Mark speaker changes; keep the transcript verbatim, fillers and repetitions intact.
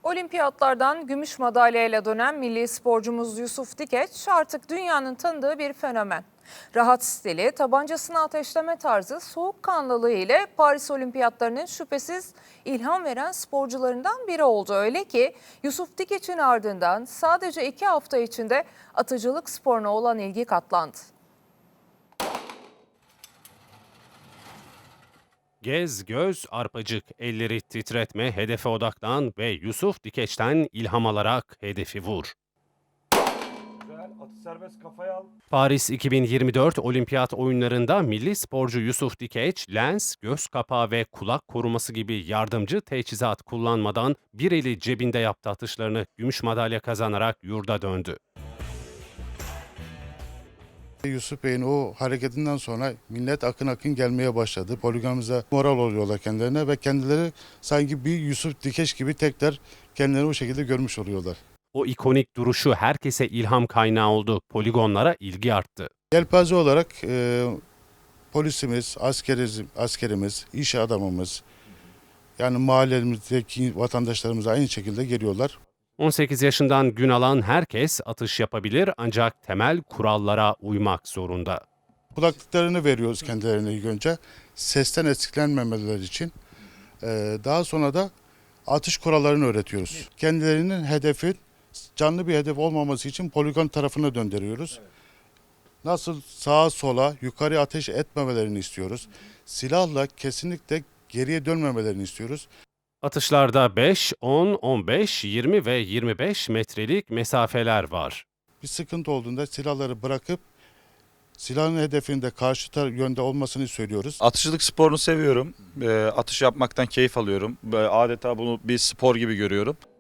Speaker 1: Olimpiyatlardan gümüş madalyayla dönen milli sporcumuz Yusuf Dikeç artık dünyanın tanıdığı bir fenomen. Rahat stili, tabancasını ateşleme tarzı, soğukkanlılığı ile Paris Olimpiyatlarının şüphesiz ilham veren sporcularından biri oldu. Öyle ki Yusuf Dikeç'in ardından sadece iki hafta içinde atıcılık sporuna olan ilgi katlandı.
Speaker 2: Gez, göz, arpacık, elleri titretme, hedefe odaklan ve Yusuf Dikeç'ten ilham alarak hedefi vur.
Speaker 3: Güzel, atı serbest, kafaya al.
Speaker 2: Paris iki bin yirmi dört Olimpiyat oyunlarında milli sporcu Yusuf Dikeç, lens, göz kapağı ve kulak koruması gibi yardımcı teçhizat kullanmadan bir eli cebinde yaptı atışlarını gümüş madalya kazanarak yurda döndü.
Speaker 4: Yusuf Bey'in o hareketinden sonra millet akın akın gelmeye başladı. Poligonumuza moral oluyorlar kendilerine ve kendileri sanki bir Yusuf Dikeç gibi tekrar kendilerini o şekilde görmüş oluyorlar.
Speaker 2: O ikonik duruşu herkese ilham kaynağı oldu. Poligonlara ilgi arttı.
Speaker 4: Yelpaze olarak e, polisimiz, askeriz, askerimiz, iş adamımız, yani mahallemizdeki vatandaşlarımız aynı şekilde geliyorlar.
Speaker 2: on sekiz yaşından gün alan herkes atış yapabilir ancak temel kurallara uymak zorunda.
Speaker 4: Kulaklıklarını veriyoruz kendilerine ilk önce. Sesten etkilenmemeleri için. E, daha sonra da atış kurallarını öğretiyoruz. Kendilerinin hedefi canlı bir hedef olmaması için poligon tarafına döndürüyoruz. Nasıl sağa sola yukarı ateş etmemelerini istiyoruz. Silahla kesinlikle geriye dönmemelerini istiyoruz.
Speaker 2: Atışlarda beş, on, on beş, yirmi ve yirmi beş metrelik mesafeler var.
Speaker 4: Bir sıkıntı olduğunda silahları bırakıp silahın hedefinde karşı tar- yönde olmasını söylüyoruz.
Speaker 3: Atışçılık sporunu seviyorum. E, atış yapmaktan keyif alıyorum. Böyle adeta bunu bir spor gibi görüyorum.